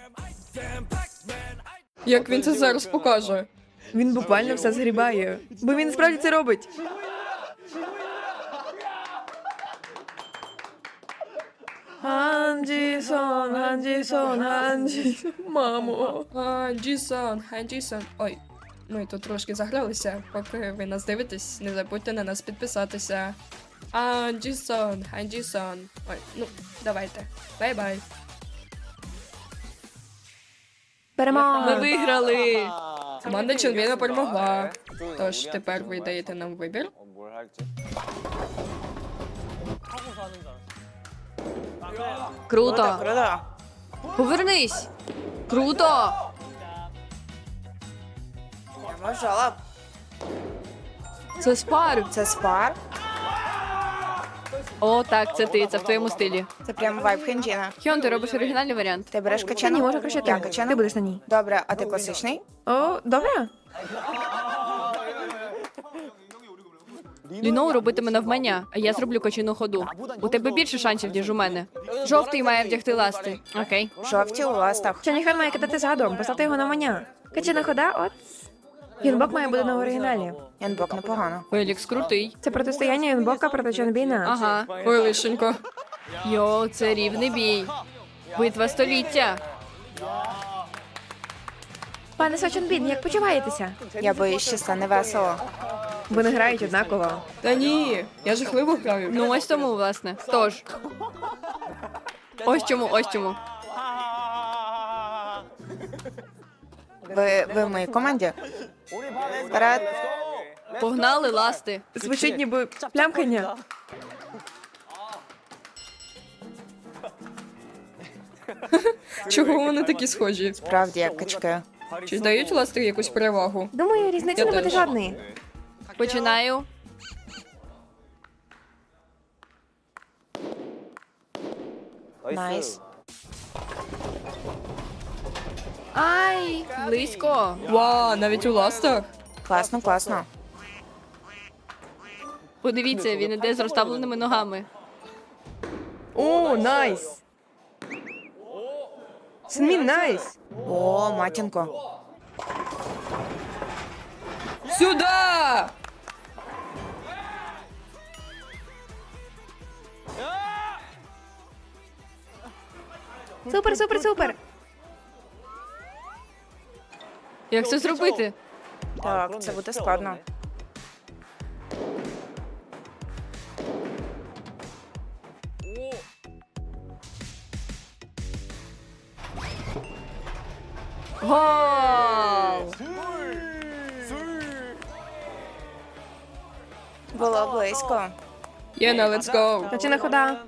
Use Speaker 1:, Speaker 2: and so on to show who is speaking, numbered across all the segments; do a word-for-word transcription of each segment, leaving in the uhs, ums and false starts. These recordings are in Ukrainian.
Speaker 1: Як він це зараз покаже?
Speaker 2: Він буквально все згрібає. Бо він справді це робить. Анджісон, Анджісон, Анджісон. Мамо.
Speaker 1: А, Джісон, хай Джісон. Ой, ми тут трошки загралися. Поки ви нас дивитесь, не забудьте на нас підписатися. А, Джісон, хай Джісон. Ой, ну, давайте. Бай-бай.
Speaker 2: Перемога.
Speaker 1: Ми виграли! Команда Чонбіна перемогла. Тож тепер ви даєте нам вибір.
Speaker 3: 뭘 할지.
Speaker 4: Круто.
Speaker 3: 그러다.
Speaker 4: Повернись. Круто.
Speaker 3: Можала.
Speaker 4: Це спар.
Speaker 5: Це спар.
Speaker 4: О, так, це ти, це в твоєму стилі.
Speaker 5: Це прям вайб Хенджіна.
Speaker 4: Хьон, ти робиш оригінальний варіант.
Speaker 5: Ти береш
Speaker 2: Та
Speaker 5: качану?
Speaker 2: ні, може краще
Speaker 5: Я
Speaker 2: ти.
Speaker 5: качана?
Speaker 2: Ти будеш на ній.
Speaker 5: Добре, а ти класичний?
Speaker 2: О, добре.
Speaker 4: Ліноу робитиме навмання, а я зроблю кочину ходу. У тебе більше шансів, ніж у мене. Жовтий має вдягти ласти. Окей.
Speaker 5: Жовті у ластах.
Speaker 2: Чаніхан має кидати задом, поставте його на маня. Качана хода, от. Юнбок має бути на оригіналі.
Speaker 5: Янбок непогано.
Speaker 4: Фелікс крутий.
Speaker 2: Це протистояння Юнбока проти Чонбіна.
Speaker 4: Ага.
Speaker 1: Ой, лишенько.
Speaker 4: Йоу, це рівний бій. Битва століття.
Speaker 2: Пане Сочонбін, як почуваєтеся?
Speaker 5: Я боюсь, що стане весело.
Speaker 2: Вони грають однаково.
Speaker 1: Та ні, я жахливо граю.
Speaker 4: Ну ось тому, власне. Тож. Ось чому, ось чому.
Speaker 5: Ви, ви в моїй команді? Вперед.
Speaker 4: Погнали ласти.
Speaker 2: Звучить ніби плямкання.
Speaker 1: Чого вони такі схожі?
Speaker 5: Правді, як качки.
Speaker 1: Чи дають ласти якусь перевагу?
Speaker 2: Думаю, різниці
Speaker 1: Я
Speaker 2: не буде
Speaker 1: теж.
Speaker 2: жодної.
Speaker 4: Починаю.
Speaker 5: Найс.
Speaker 4: Ай, близько.
Speaker 1: Ва, навіть у ластах?
Speaker 5: Класно, класно.
Speaker 4: Подивіться, він іде з розставленими ногами.
Speaker 2: О, найс. Синмін, найс.
Speaker 5: О, матінко.
Speaker 1: Сюда!
Speaker 2: Супер, супер, супер.
Speaker 4: Як це зробити?
Speaker 5: Так, це буде складно.
Speaker 4: Гол!
Speaker 5: Було близько.
Speaker 1: Єна, let's go.
Speaker 2: Качана хода.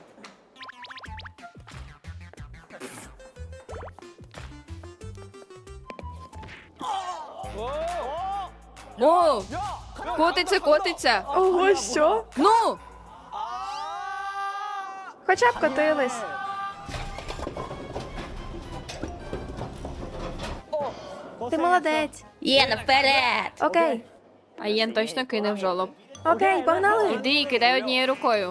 Speaker 4: О! Котиться, котиться.
Speaker 2: Ого, що?
Speaker 4: Ну!
Speaker 2: Хоча б котились. Ти молодець.
Speaker 4: Є, наперед!
Speaker 2: Окей.
Speaker 4: А Єн точно кине в жолоб.
Speaker 2: Окей, погнали.
Speaker 4: Іди і кидай однією рукою.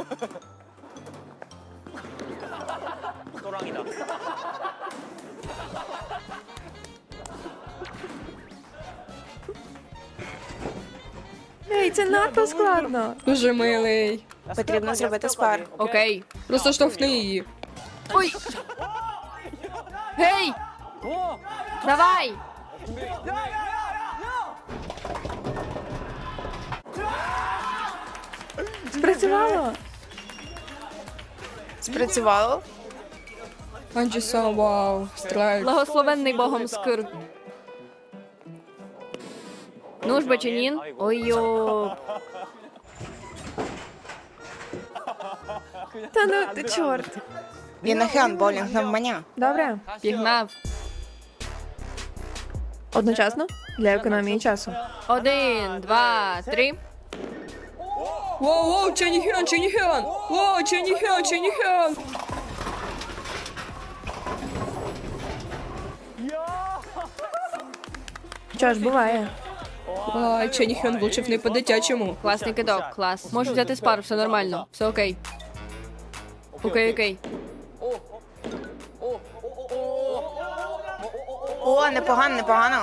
Speaker 2: Ей, це надто складно.
Speaker 1: Дуже милий.
Speaker 5: Потрібно зробити спар.
Speaker 4: Окей.
Speaker 1: Просто штовхни її.
Speaker 4: Ой! Гей! Давай!
Speaker 2: Спрацювало.
Speaker 5: Спрацювало?
Speaker 1: Анджісон, вау, страйк.
Speaker 4: Благословенний Богом скир. Ну ж, бачанін. Ой-йо.
Speaker 2: Та ну ти чорт.
Speaker 5: Він на хен боулінг навмання.
Speaker 2: Добре.
Speaker 4: Пігнав.
Speaker 2: Одночасно для економії часу.
Speaker 4: Один, два, три.
Speaker 1: Воу, воу, Ченіхен, Ченіхен! Воу, Ченіхен, Ченіхен!
Speaker 2: Що ж, буває.
Speaker 1: Ай, Ченіхен влучив не по-дитячому.
Speaker 4: Класний кидок, клас. Можеш взяти спару, все нормально. Все окей. Окей, окей.
Speaker 5: О, непогано, непогано.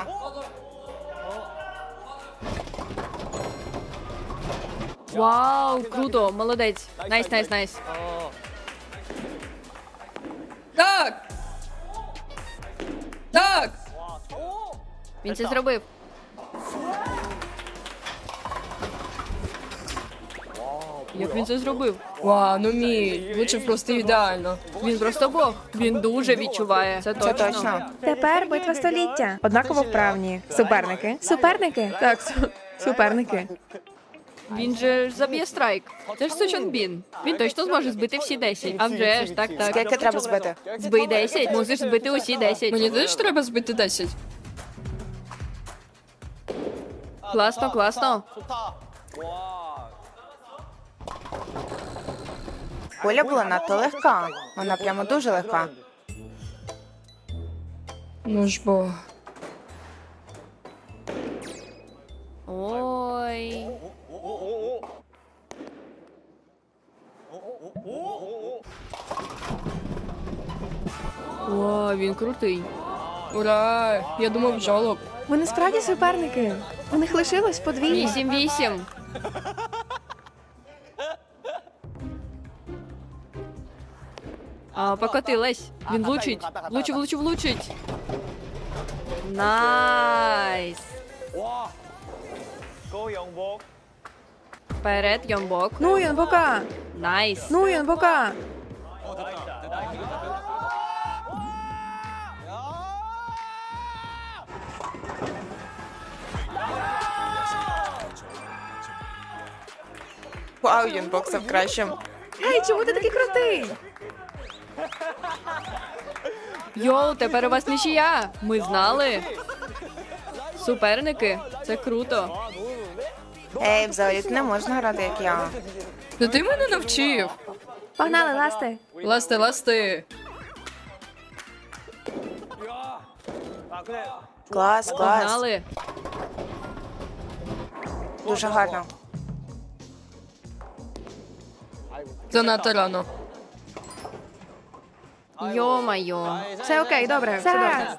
Speaker 4: Вау, круто, молодець. Найс, найс, найс.
Speaker 1: Так! Так!
Speaker 4: Він це зробив. Як він це зробив?
Speaker 1: Вау, ну мій, влучив просто ідеально.
Speaker 4: Він просто бог. Він дуже відчуває. Це
Speaker 5: Це
Speaker 4: точно.
Speaker 5: точно.
Speaker 2: Тепер битва століття. Однаково вправні. Суперники. Суперники. Так, су- суперники.
Speaker 4: Він же ж заб'є страйк. Це ж Сочон Бін. Він точно зможе збити всі десять. А вже ж, так, так.
Speaker 5: Скільки треба збити?
Speaker 4: Збий десять, мусиш збити усі десять.
Speaker 1: Мені теж треба збити десять.
Speaker 4: Класно, класно.
Speaker 5: Куля була надто легка. Вона прямо дуже легка.
Speaker 1: Ну ж бо.
Speaker 4: Ой. О, він крутий.
Speaker 1: Ура! Я думав жолоб.
Speaker 2: Вони справді суперники. У них лишилось подвійно.
Speaker 4: Вісім вісім. А, покотилась. Він влучить. Влучив, влучив, влучить. Найс. Вперед, Йомбок.
Speaker 2: Ну, Йонбока.
Speaker 4: Найс.
Speaker 2: Ну, Йонбока.
Speaker 5: Вау, Юнбок став кращим.
Speaker 2: Гей, чому ти такий крутий?
Speaker 4: Йоу, тепер у вас нічия. Ми знали. Суперники. Це круто.
Speaker 5: Ей, взагалі не можна грати, як я.
Speaker 1: Та ти мене навчив.
Speaker 2: Погнали, ласти.
Speaker 1: Ласти, ласти.
Speaker 5: Клас, клас.
Speaker 4: Погнали.
Speaker 5: Дуже гарно.
Speaker 1: Занадто рано.
Speaker 4: Йо-майо.
Speaker 2: Все окей, добре, все добре.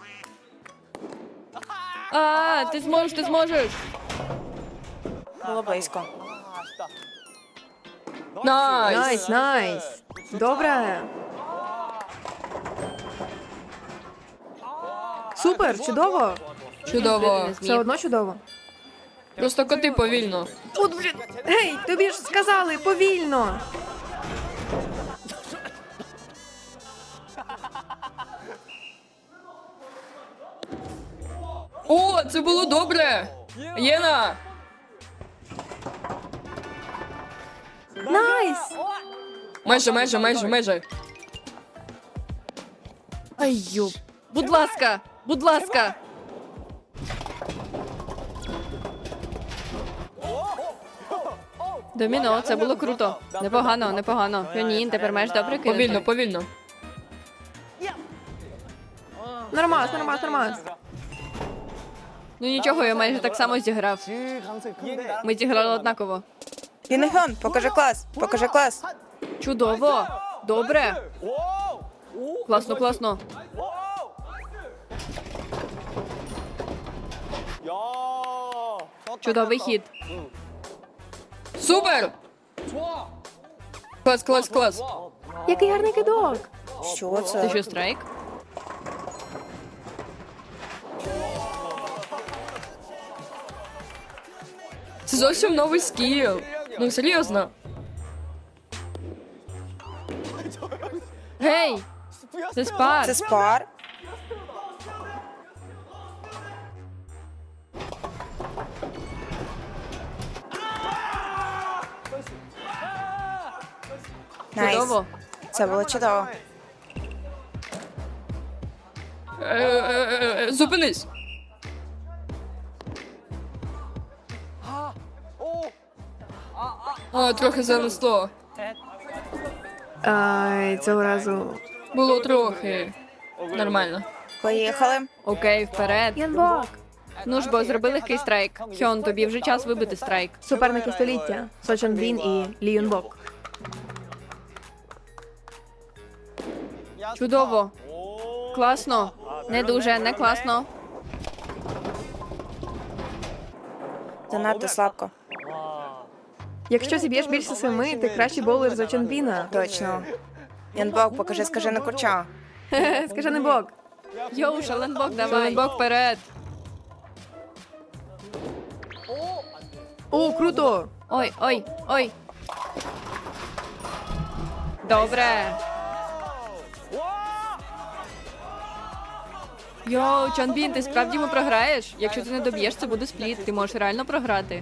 Speaker 4: А, ти зможеш, ти зможеш.
Speaker 5: Було близько.
Speaker 1: Найс!
Speaker 2: Найс, найс. Добре. Супер, чудово.
Speaker 1: Чудово.
Speaker 4: Не
Speaker 2: Все
Speaker 4: зміг.
Speaker 2: одно чудово.
Speaker 1: Просто коти повільно.
Speaker 2: От, блін. Гей, тобі ж сказали, повільно.
Speaker 1: О, це було добре! Єна!
Speaker 2: Найс.
Speaker 1: Майже, майже, майже, майже.
Speaker 4: Ай, йоп. Будь ласка, будь ласка. Доміно, це було круто. Непогано, непогано. Піонін, тепер маєш добре кинути.
Speaker 1: Повільно, повільно.
Speaker 2: Нормас, нормас, нормас.
Speaker 4: Ну нічого, я майже так само зіграв. Ми зіграли однаково.
Speaker 5: Юнегон, покажи клас, покажи клас.
Speaker 4: Чудово. Добре. Класно, класно. Чудовий хід.
Speaker 1: Супер! Клас, клас, клас.
Speaker 2: Який гарний кидок.
Speaker 5: Що
Speaker 4: Це
Speaker 5: це?
Speaker 4: що, страйк?
Speaker 1: Це зовсім новий скіл. Ну, серйозно.
Speaker 4: Гей! Це спар.
Speaker 5: Це спар? Найс.
Speaker 4: Чудово.
Speaker 5: Це було чудово.
Speaker 1: Е, е, е, Зупинись. А, трохи занесло.
Speaker 2: Ай, цього разу.
Speaker 1: Було трохи. Нормально.
Speaker 5: Поїхали.
Speaker 4: Окей, вперед.
Speaker 2: Янбок.
Speaker 4: Ну ж бо, зроби легкий страйк. Хьон, тобі вже час вибити страйк.
Speaker 2: Суперники століття. Сочон Бін і Лі Юнбок.
Speaker 4: Чудово. Класно. Не дуже, не класно.
Speaker 5: Занадто слабко.
Speaker 2: Якщо зіб'єш більше семи, ти кращий боулер за Чонбіна.
Speaker 5: Точно. Янбок, покажи скажене курча.
Speaker 2: Скажи не бок.
Speaker 4: Йоу, шаленбок, давай. Шаленбок вперед.
Speaker 2: О, круто!
Speaker 4: Ой, ой, ой. Добре. Йоу, Чонбін, ти справді йому програєш? Якщо ти не доб'єш, це буде спліт. Ти можеш реально програти.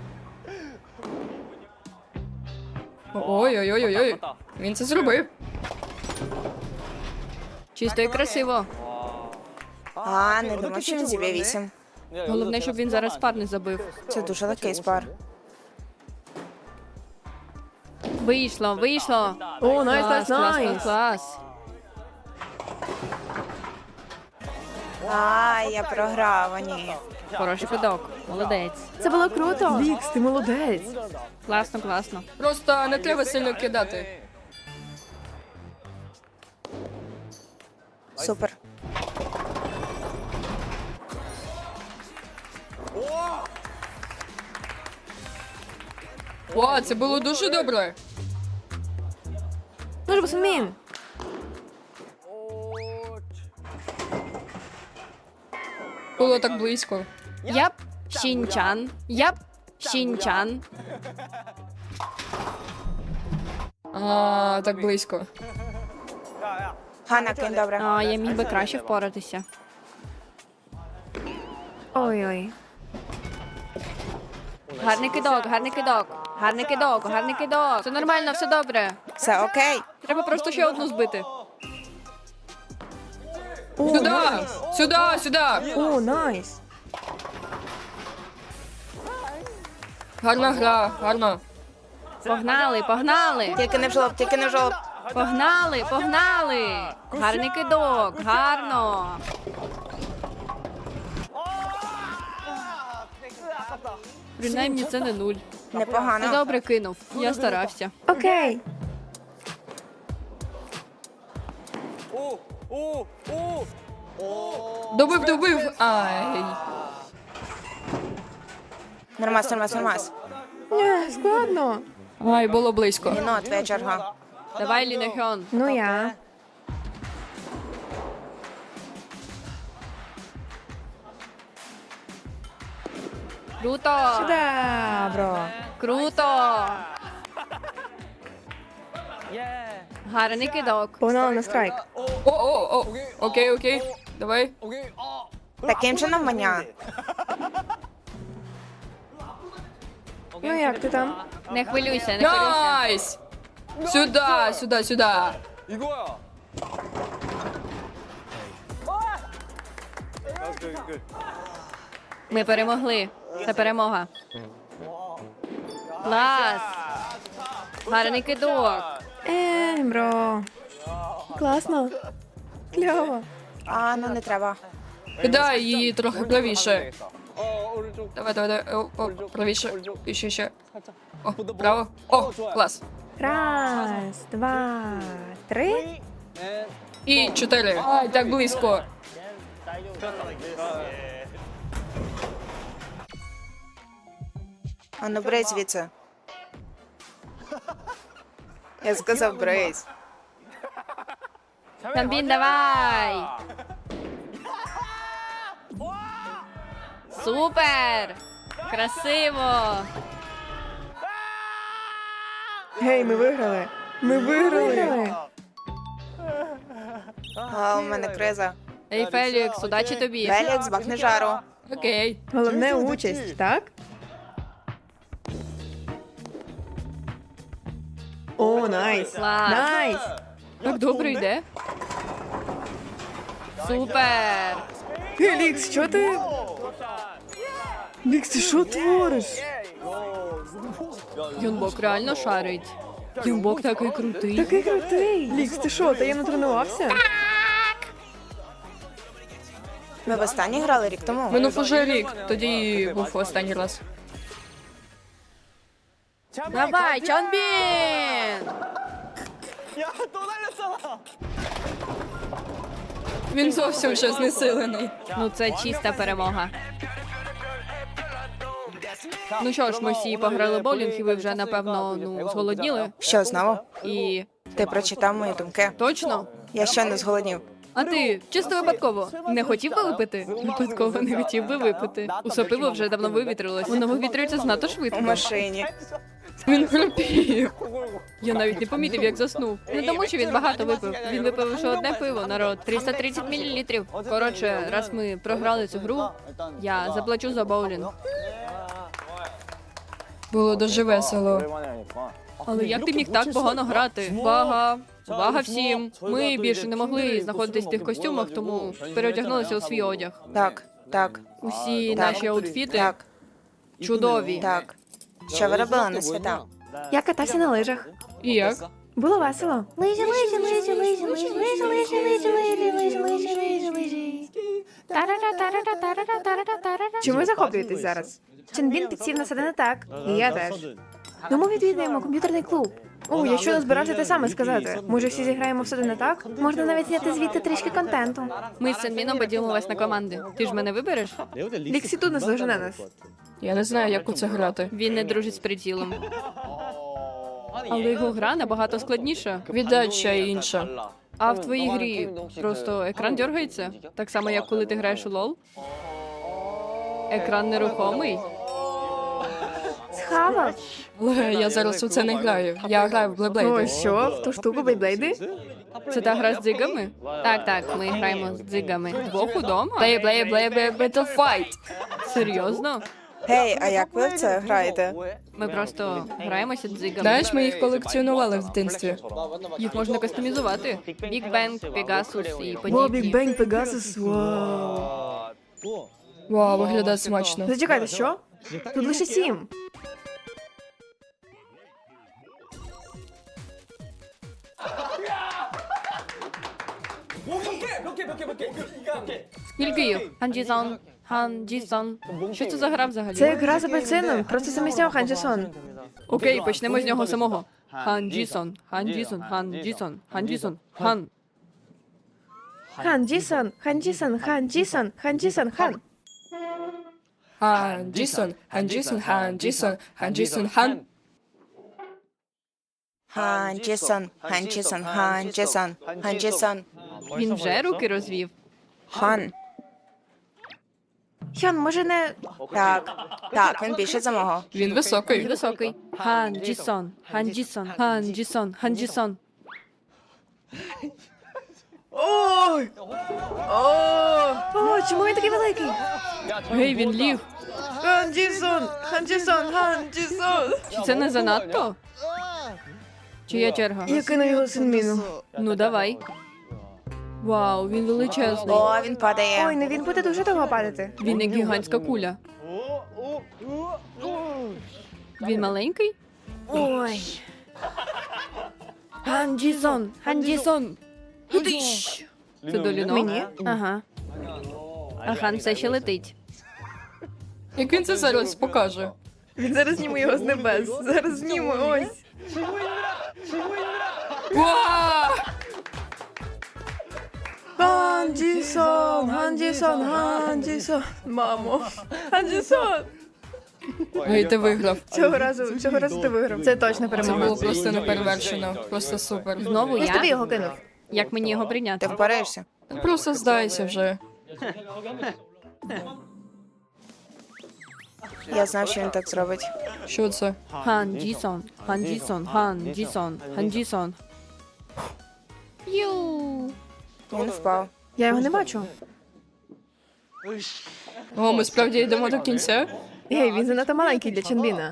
Speaker 1: Ой-ой-ой-ой. Він це зробив.
Speaker 4: Чисто і красиво.
Speaker 5: А, не думав, що він зіб'є вісім.
Speaker 4: Головне, щоб він зараз пар не забив.
Speaker 5: Це дуже легкий спар.
Speaker 4: Вийшло, вийшло.
Speaker 2: О, найс, найс,
Speaker 4: Клас, клас, клас,
Speaker 2: найс.
Speaker 4: клас.
Speaker 5: А, я програв, а ні.
Speaker 4: Хороший кидок. Молодець.
Speaker 2: Це було круто. Вікс, ти молодець.
Speaker 4: Класно, класно.
Speaker 1: Просто не треба сильно кидати.
Speaker 5: Супер.
Speaker 1: О, це було дуже добре.
Speaker 2: Ну ж, Босунмін.
Speaker 1: Було так близько.
Speaker 4: Яп, Щінчан. Яп, Щінчан.
Speaker 1: А, так близько.
Speaker 5: Ганна, кинь добре.
Speaker 4: А, я міг би краще впоратися.
Speaker 2: Ой-ой.
Speaker 4: Гарний кидок, гарний кидок. Гарний кидок, гарний кидок. Все нормально, все добре.
Speaker 5: Все окей.
Speaker 4: Треба просто ще одну збити.
Speaker 1: Сюди! Сюди, сюди!
Speaker 2: О, найс.
Speaker 1: Гарна гра, гарна.
Speaker 4: Погнали, погнали.
Speaker 5: Тільки не в жолоб, тільки не в жолоб.
Speaker 4: Погнали, погнали. Гарний кидок, гарно. Принаймні це не нуль. Ти
Speaker 5: Непогано.
Speaker 4: добре кинув. Я старався.
Speaker 2: Окей.
Speaker 1: Добив, добив. Ай.
Speaker 5: Нормас, нормас, нормас.
Speaker 2: Не, складно.
Speaker 1: Ай, було близько.
Speaker 5: Ніно, твоя черга.
Speaker 4: Давай, Лінехьон.
Speaker 2: Ну я.
Speaker 4: Круто.
Speaker 2: Сюда, бро.
Speaker 4: Круто. Гарний кидок.
Speaker 2: Погнали на страйк.
Speaker 1: О, о, о. Окей, окей. Давай.
Speaker 5: Таким чином маня.
Speaker 2: Ну як ти там?
Speaker 4: Не хвилюйся, не хвилюйся.
Speaker 1: Найс! Сюди, сюди, сюди.
Speaker 4: Ми перемогли. Це перемога. Клас. Гарний кидок.
Speaker 2: Ей, бро. Класно. Кльово.
Speaker 5: А, ну не треба.
Speaker 1: Кидай її трохи правіше. Давай, давай, давай. О, о, правіше. І ще, ще. О, право. О, клас.
Speaker 2: Раз, два, три.
Speaker 1: І чотири. Ай, так близько.
Speaker 5: А ну брись звідси. Я сказав брись.
Speaker 4: Чонбін, давай. Супер. Красиво.
Speaker 2: Гей, ми виграли. Ми виграли.
Speaker 5: А, у мене криза.
Speaker 4: Ей, Фелікс, удачі тобі.
Speaker 5: Фелікс, бахни жару.
Speaker 1: Окей.
Speaker 2: Головне участь, так? О, найс.
Speaker 4: Клас.
Speaker 2: Найс.
Speaker 4: Так добре йде. Супер.
Speaker 2: Гей, Лікс, що ти? Лікс, ти що твориш?
Speaker 4: Юнбок реально шарить. Юнбок такий крутий.
Speaker 2: Такий крутий. Лікс, ти що, таємно тренувався?
Speaker 5: Ми в останній грали рік тому.
Speaker 1: Минув уже рік. Тоді був останній раз.
Speaker 4: Давай, Чонбін!
Speaker 1: Він зовсім вже знесилений.
Speaker 4: Ну це чиста перемога. Ну що ж, ми всі пограли в боулінг, і ви вже, напевно, ну, зголодніли.
Speaker 5: Що знову?
Speaker 4: І
Speaker 5: Ти прочитав мої думки.
Speaker 4: точно?
Speaker 5: Я щойно зголоднів.
Speaker 4: А ти чисто випадково не хотів би випити? Випадково не хотів би випити. Усе пиво вже давно вивітрилось. Воно вивітрюється знато
Speaker 5: У
Speaker 4: швидко.
Speaker 5: машині.
Speaker 1: Він хрипів.
Speaker 4: Я навіть не помітив, як заснув. Не тому, що він багато випив. Він випив лише одне пиво, народ. триста тридцять мілілітрів. Коротше, раз ми програли цю гру, я заплачу за боулінг.
Speaker 1: Було дуже весело.
Speaker 4: Але як ти міг так погано грати? Увага! Увага всім! Ми більше не могли знаходитись в тих костюмах, тому переодягнулися у свій одяг.
Speaker 5: Так, так,
Speaker 4: Усі
Speaker 5: Так.
Speaker 4: наші аутфіти
Speaker 5: так,
Speaker 4: чудові.
Speaker 5: так. Що ви робили на свята?
Speaker 2: Я катався на лижах.
Speaker 1: І як?
Speaker 2: Було весело. Лижі, лижі, лижі, лижі, лижі, лижі, лижі, лижі, лижі, лижі, лижі, лижі, лижі. Чому ви захоплюєтесь зараз? Ченбін підсів на себе не так. І я теж. Ну ми відвідаємо комп'ютерний клуб. О, я щойно збирався те саме сказати. Може, всі зіграємо в сюди не так? Можна навіть зняти звідти трішки контенту.
Speaker 4: Ми з Сенміном поділимось на команди. Ти ж мене вибереш?
Speaker 2: Ліксі тут наздожене нас.
Speaker 1: Я не знаю, як у це грати.
Speaker 4: Він не дружить з прицілом. Але його гра набагато складніша.
Speaker 1: Віддача і інша.
Speaker 4: А в твоїй грі просто екран дергається? Так само, як коли ти граєш у лол? Екран нерухомий?
Speaker 2: Схавав.
Speaker 1: Але я зараз у це не граю. Я граю в
Speaker 2: О,
Speaker 1: Блейблейди.
Speaker 2: що? В ту штуку бейблейди?
Speaker 4: Це та гра з дзигами? Так, так, ми граємо з дзигами. Двох удома?
Speaker 1: Плей, плей, плей, плей, Battle Fight.
Speaker 4: Серйозно?
Speaker 5: Гей, а як ви в це граєте?
Speaker 4: Ми просто граємося дзигами.
Speaker 1: Знаєш, ми їх колекціонували в дитинстві.
Speaker 4: Їх можна кастомізувати. Big Bang, Pegasus і
Speaker 2: О, Біг
Speaker 4: подібні.
Speaker 2: Бенг, Пегасус, вау.
Speaker 1: Вау, виглядає смачно.
Speaker 2: Зачекайте, що? Тут лише сім.
Speaker 4: Скільки їх? Ханджісон, Ханджісон. Що це за гра взагалі?
Speaker 2: Це як гра з апельсином, просто замість нього Ханджісон.
Speaker 4: Окей, почнемо з нього самого. Ханджісон, Ханджісон, Ханджісон, Ханджісон, Хан.
Speaker 2: Ханджісон, Ханджісон, Ханджісон, Ханджісон, Хан.
Speaker 1: Хан Джісон, Хан Джісон, Хан Джісон, Хан Джісон, Хан.
Speaker 5: Хан Джісон, Хан Джісон, Хан Джісон, Хан Джісон,
Speaker 4: Він вже руки розвів.
Speaker 5: Хан.
Speaker 2: Хьон, може не...
Speaker 5: Так, так, він більше за мого.
Speaker 1: Він високий.
Speaker 4: Він високий. Ханджісон, Ханджісон, Ханджісон, Ханджісон.
Speaker 2: Ой! О, чому він такий великий?
Speaker 4: Гей, він ліг.
Speaker 2: Ханджісон, Ханджісон, Ханджісон.
Speaker 4: Чи це не занадто? Чия черга?
Speaker 2: Я кину його Синміну.
Speaker 4: Ну давай. Вау, він величезний.
Speaker 5: О, він падає.
Speaker 2: Ой, ну він буде дуже довго падати.
Speaker 4: Він як гігантська куля. Він маленький?
Speaker 2: Ой.
Speaker 4: Ханджісон, Ханджісон. Худиш. Це до лінок?
Speaker 2: Мені?
Speaker 4: Ага. А хан все ще летить.
Speaker 1: Як він це зараз покаже?
Speaker 2: Він зараз зніме його з небес. Зараз зніме, ось.
Speaker 1: Вау!
Speaker 2: Ханджісон, Ханджісон, Ханджісон. Мамо. Ханджісон.
Speaker 1: Ой, ти виграв.
Speaker 2: Цього разу, цього разу ти виграв. Це точно
Speaker 1: Це
Speaker 2: перемога.
Speaker 1: було просто неперевершено. Просто супер.
Speaker 4: Знову
Speaker 2: Я ж тобі
Speaker 4: я?
Speaker 2: його кинув.
Speaker 4: Як мені його
Speaker 5: Ти
Speaker 4: прийняти?
Speaker 5: впораєшся?
Speaker 1: Просто здайся вже.
Speaker 5: Я знав, що він так зробить.
Speaker 1: Що це?
Speaker 4: Ханджісон, Ханджісон, Ханджісон, Ханджісон. Ю.
Speaker 5: Він впав.
Speaker 2: Я його не бачу.
Speaker 1: О, ми справді йдемо до кінця?
Speaker 2: Гей, він занадто маленький для Ченбіна.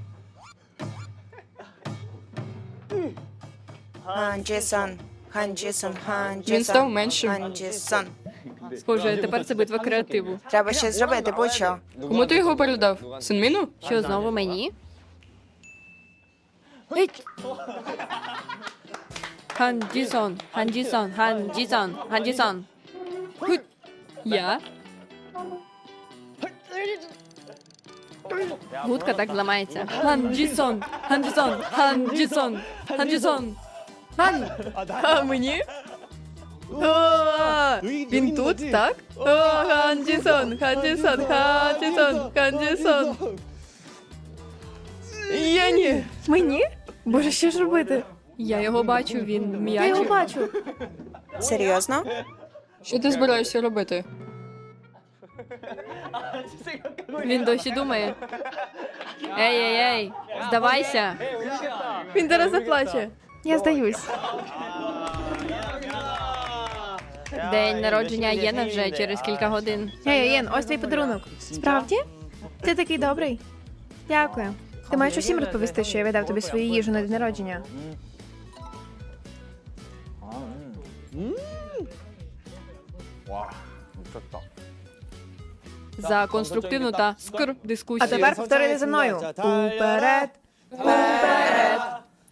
Speaker 5: Хан Джісон, Хан Джісон, Хан
Speaker 1: Він
Speaker 5: Джісон.
Speaker 1: став меншим.
Speaker 5: Хан Джісон.
Speaker 4: Схоже, тепер це битва креативу.
Speaker 5: Треба щось зробити, будь-що.
Speaker 1: Кому ти його передав? Синміну?
Speaker 4: Що, знову мені? Геть! Ханджісон, Ханджісон, Ханджісон, Ханджісон. Хуть. Я? Гудка так зламається. Ханджісон, Ханджісон, Ханджісон, Ханджісон. Хан!
Speaker 2: А мені? О, він
Speaker 4: тут, так? О, Ханджісон, Ханджісон, Ханджісон, Ханджісон.
Speaker 1: Я ні.
Speaker 2: Мені? Боже, що ж робити?
Speaker 4: Я його бачу, він
Speaker 2: Я його
Speaker 4: м'ячик.
Speaker 2: бачу.
Speaker 5: Серйозно?
Speaker 1: Що ти збираєшся робити?
Speaker 4: Він досі думає. Ей, ей, ей, здавайся.
Speaker 2: Він зараз заплаче. Я здаюсь.
Speaker 4: День народження Єна вже через кілька годин.
Speaker 2: Ей, Єн, ось твій подарунок. Справді? Ти такий добрий. Дякую. Ти маєш усім розповісти, що я віддав тобі свою їжу на день народження.
Speaker 4: За конструктивну та скр дискусію.
Speaker 2: А тепер повторити за мною. Уперед.
Speaker 4: Вперед!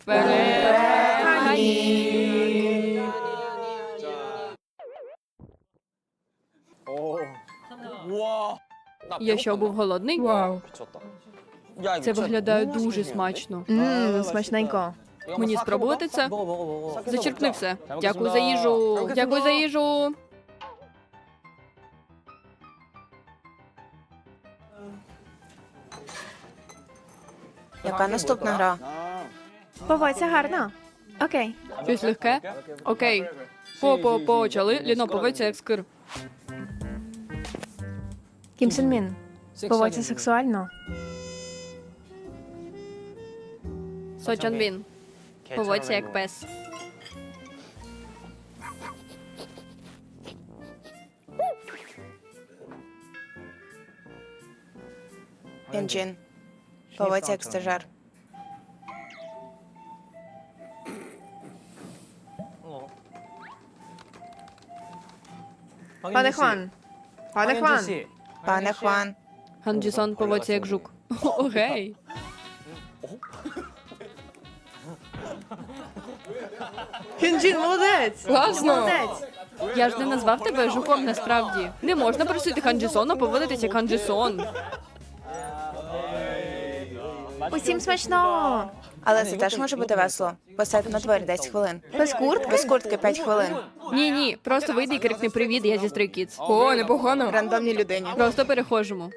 Speaker 4: Гані! Я що, був голодний?
Speaker 1: Вау.
Speaker 4: Це виглядає дуже смачно.
Speaker 2: Ммм, смачненько.
Speaker 4: Мені спробувати це? Зачерпни все. Дякую за їжу. Дякую за їжу.
Speaker 5: Яка наступна гра?
Speaker 2: Поводься гарно. Окей.
Speaker 4: Щось легке? Окей. По-по почали. Ліно, повиться як скир.
Speaker 2: Кім Сен Мін. Поводься сексуально.
Speaker 4: Со Чон Бін. Поводься як пес.
Speaker 5: Інджін. Поводься як стажер.
Speaker 2: Пане Хван. Пане Хван.
Speaker 5: Пане Хван.
Speaker 4: Хан Джісон поводься як жук. Окей.
Speaker 2: Хінджін, молодець.
Speaker 1: Класно.
Speaker 2: Молодець.
Speaker 4: Я ж не назвав тебе жуком насправді. Не можна просити Хан Джісона поводитися як Хан Джісон.
Speaker 2: Усім смачно.
Speaker 5: Але це теж може бути весело. Посадь на дворі десять хвилин.
Speaker 2: Без куртки?
Speaker 5: Без куртки п'ять хвилин.
Speaker 4: Ні, ні, просто вийди і крикни привіт, я зі Stray Kids.
Speaker 1: О, непогано.
Speaker 5: Рандомній людині.
Speaker 4: Просто перехожемо.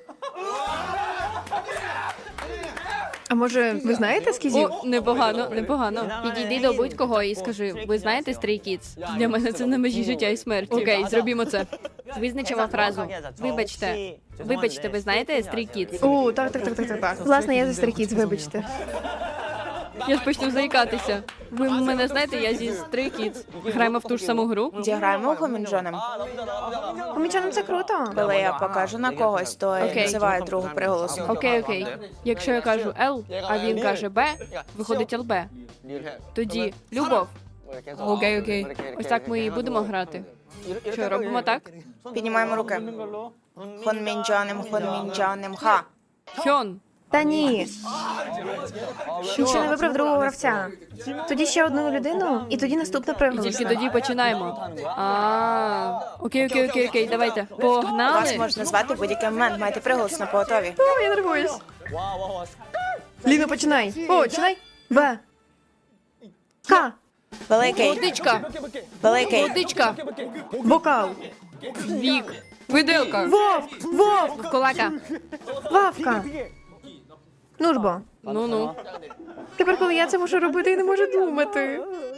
Speaker 2: А може, ви знаєте скізів?
Speaker 4: О, непогано, непогано. Підійди до будь-кого і скажи, ви знаєте Stray Kids? Для мене це на межі життя і смерті. Окей, зробімо це. Визначимо фразу. Вибачте. Вибачте, ви знаєте Stray Kids?
Speaker 2: О, так, так, так, так, так, так. Власне, я за Stray Kids, вибачте.
Speaker 4: Я ж почну заїкатися. Ви мене знаєте, я зі Stray Kids. Граємо в ту ж саму гру.
Speaker 5: Зіграємо у Гомінджонем.
Speaker 2: Помічаним це круто.
Speaker 5: Коли я покажу на когось, то я
Speaker 4: Окей.
Speaker 5: називаю другу приголосом.
Speaker 4: Окей, окей. Якщо я кажу Л, а він каже Б, виходить ЛБ. Тоді любов.
Speaker 1: Окей, окей.
Speaker 4: Ось так ми і будемо грати. Що, робимо так?
Speaker 5: Піднімаємо руки. Хонмінджонем, хонмінджонем, ха.
Speaker 4: Хьон.
Speaker 2: Та ні. Він ще не вибрав другого гравця. Тоді ще одну людину, і тоді наступна
Speaker 4: І тільки
Speaker 2: приголосна.
Speaker 4: тоді починаємо. А, окей, окей, окей, окей, давайте.
Speaker 5: Вас
Speaker 4: Погнали.
Speaker 5: можна звати в будь-який момент, маєте приголос на поготові.
Speaker 2: О, я нервуюсь. Ліно, починай. О, починай. В. К.
Speaker 5: Великий,
Speaker 4: Водичка.
Speaker 5: великий,
Speaker 4: Водичка.
Speaker 2: Вокал.
Speaker 4: Вік.
Speaker 1: Виделка.
Speaker 2: Вовк. Вовк.
Speaker 4: Колака.
Speaker 2: Вавка. Ну ж бо.
Speaker 4: Ну-ну.
Speaker 2: Тепер, коли я це можу робити, я не можу думати.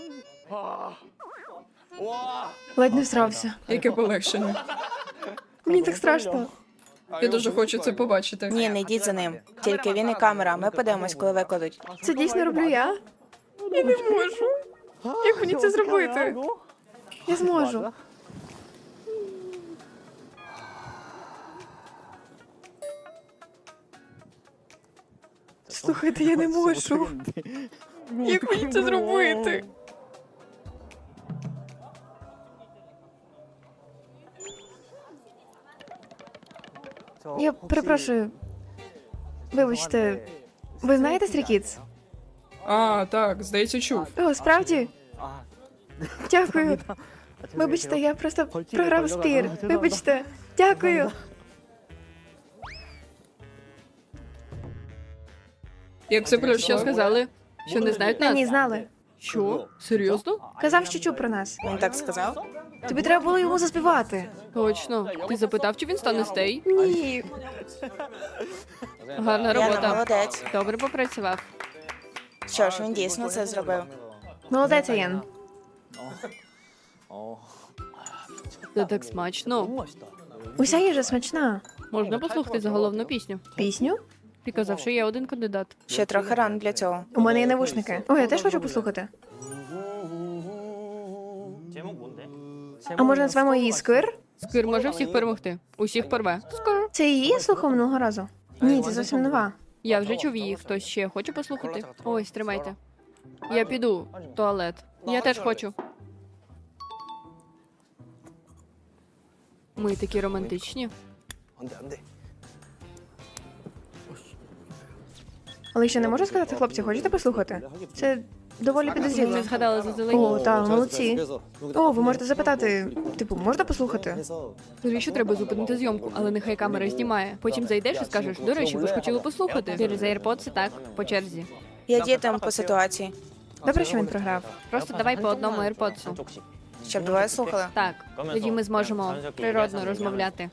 Speaker 2: Ледь не всрався.
Speaker 1: Яке полегшення.
Speaker 2: Мені так страшно.
Speaker 1: Я дуже хочу це побачити.
Speaker 5: Ні, не йдіть за ним. Тільки він і камера. Ми подивимось, коли викладуть.
Speaker 2: Це дійсно роблю я? Я не можу. Як мені це зробити? Я зможу. Слухайте, я не можу. Як мені це зробити? Я перепрошую. Вибачте, ви знаєте Stray Kids?
Speaker 1: А, так, здається, чув.
Speaker 2: О, справді? Дякую. Вибачте, я просто програв спір. Вибачте. Дякую.
Speaker 1: Як це
Speaker 4: Що
Speaker 1: пройшло?
Speaker 4: сказали? Що не знають
Speaker 2: Та ні,
Speaker 4: нас?
Speaker 2: знали.
Speaker 4: Що? Серйозно?
Speaker 2: Казав, що чув про нас.
Speaker 5: Він так сказав?
Speaker 2: Тобі треба було йому заспівати.
Speaker 4: Точно. Ти запитав, чи він стане стей?
Speaker 2: Ні.
Speaker 4: Гарна
Speaker 5: Яна,
Speaker 4: робота.
Speaker 5: молодець.
Speaker 4: Добре попрацював.
Speaker 5: Що ж, він дійсно це зробив.
Speaker 2: Молодець, Аян.
Speaker 4: Це так смачно.
Speaker 2: Уся їжа смачна.
Speaker 4: Можна послухати заголовну пісню.
Speaker 2: Пісню?
Speaker 4: Ти казав, що є один кандидат.
Speaker 5: Ще трохи рано для цього.
Speaker 2: У мене є навушники. О, я теж хочу послухати. А може назвемо її Сквир?
Speaker 4: Сквір може всіх перемогти. Усіх порве. Скоро.
Speaker 2: Це її я слухав минулого разу? Ні, це зовсім нова.
Speaker 4: Я вже чув її. Хтось ще хоче послухати? Ось, тримайте. Я піду в туалет. Я теж хочу. Ми такі романтичні.
Speaker 2: Але ще не можу сказати, хлопці, хочете послухати? Це доволі підозріло.
Speaker 4: Не згадала заздалегідь.
Speaker 2: О, так, молодці. О, ви можете запитати, типу, можна послухати?
Speaker 4: Скоріше треба зупинити зйомку, але нехай камера знімає. Потім зайдеш і скажеш, до речі, ви ж хотіли послухати. Через AirPods, так, по черзі.
Speaker 5: Я діям по ситуації.
Speaker 2: Добре, що він програв.
Speaker 4: Просто давай по одному AirPods.
Speaker 5: Щоб двоє слухали.
Speaker 4: Так, тоді ми зможемо природно розмовляти.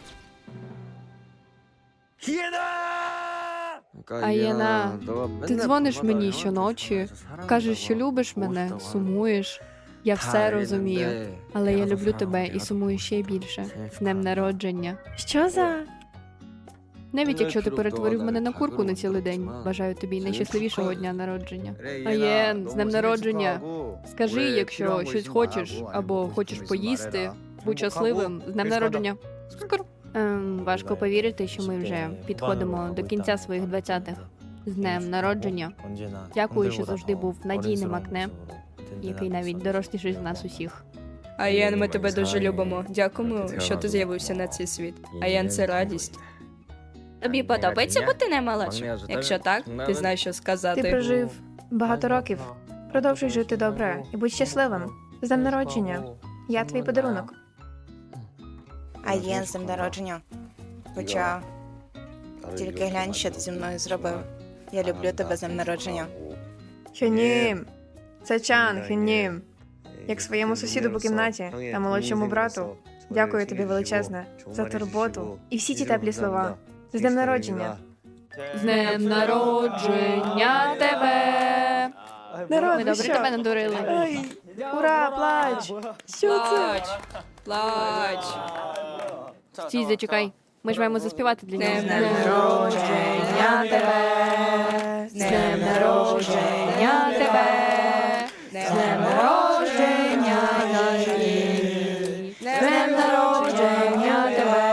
Speaker 4: Аєна, ти дзвониш мені щоночі, кажеш, що любиш мене, сумуєш. Я все розумію, але я люблю тебе і сумую ще більше. З днем народження.
Speaker 2: Що за?
Speaker 4: Навіть якщо ти перетворив мене на курку на цілий день, бажаю тобі найщасливішого дня народження. Аєн, з днем народження. Скажи, якщо щось хочеш або хочеш поїсти, будь щасливим. З днем народження. Скоро. Ем, важко повірити, що ми вже підходимо до кінця своїх двадцятих. З днем народження. Дякую, що завжди був надійним акне, який навіть доросліший з нас усіх.
Speaker 1: Аян, ми тебе дуже любимо. Дякуємо, що ти з'явився на цей світ. Аян, це радість. Тобі подобається бути наймолодшим? Якщо так, ти знаєш, що
Speaker 2: Ти
Speaker 1: сказати.
Speaker 2: прожив багато років. Продовжуй жити добре і будь щасливим. З днем народження. Я твій подарунок.
Speaker 5: А є з днем народження. Хоча тільки глянь, що ти зі мною зробив. Я люблю тебе з днем народження.
Speaker 2: Хюнім. Це Чан, Хюнім. Як своєму сусіду по кімнаті та молодшому брату. Дякую тобі величезне за турботу і всі ті теплі слова. З днем народження.
Speaker 4: З днем народження тебе!
Speaker 2: Народ,
Speaker 4: Ми
Speaker 2: ви
Speaker 4: добре
Speaker 2: що?
Speaker 4: тебе надурили.
Speaker 2: Ой, ура, плач! Що це?
Speaker 1: Плач, плач.
Speaker 4: Стій, зачекай. Ми ж маємо заспівати для нього.
Speaker 1: З днем народження тебе.
Speaker 4: З днем народження тебе! З днем народження нашої! З днем народження тебе!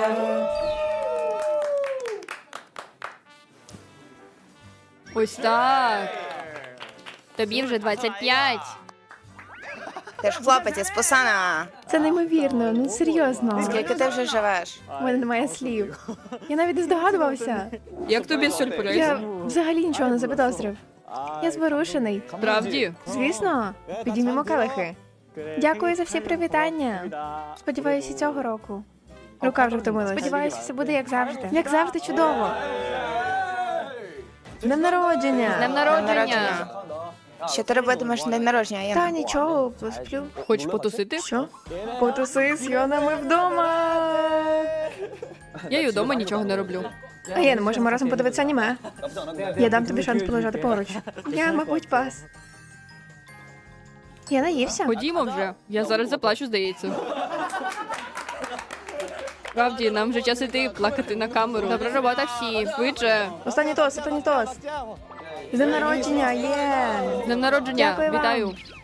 Speaker 4: Ось так. Тобі вже двадцять п'ять.
Speaker 5: Ти ж хлопець із Пусана.
Speaker 2: Це неймовірно, ну серйозно.
Speaker 5: Скільки ти вже живеш?
Speaker 2: У мене немає слів. Я навіть не здогадувався.
Speaker 1: Як тобі сюрприз?
Speaker 2: Я взагалі нічого не запідозрив. Я зворушений.
Speaker 4: Правді?
Speaker 2: Звісно, підіймемо келихи. Дякую за всі привітання. Сподіваюся, і цього року. Рука вже втомилась. Сподіваюся, все буде як завжди. Як завжди, чудово. З днем народження!
Speaker 4: З днем
Speaker 5: Днем
Speaker 4: народження!
Speaker 5: Що ти робитимеш на день народження,
Speaker 2: Та
Speaker 5: Яна?
Speaker 2: нічого, посплю.
Speaker 4: Хочеш потусити?
Speaker 2: Що? Потуси з Йонами вдома.
Speaker 4: Я й удома нічого не роблю.
Speaker 2: А я не можемо разом подивитися аніме. Я дам тобі шанс полежати поруч. Я, мабуть, пас. Я наївся.
Speaker 4: Ходімо вже. Я зараз заплачу, здається. Справді, нам вже час іти плакати на камеру. Добра робота всі, швидше.
Speaker 2: Останній тост, останній тост. З днем народження, є.
Speaker 4: З днем народження,
Speaker 2: Дякую вам.
Speaker 4: вітаю.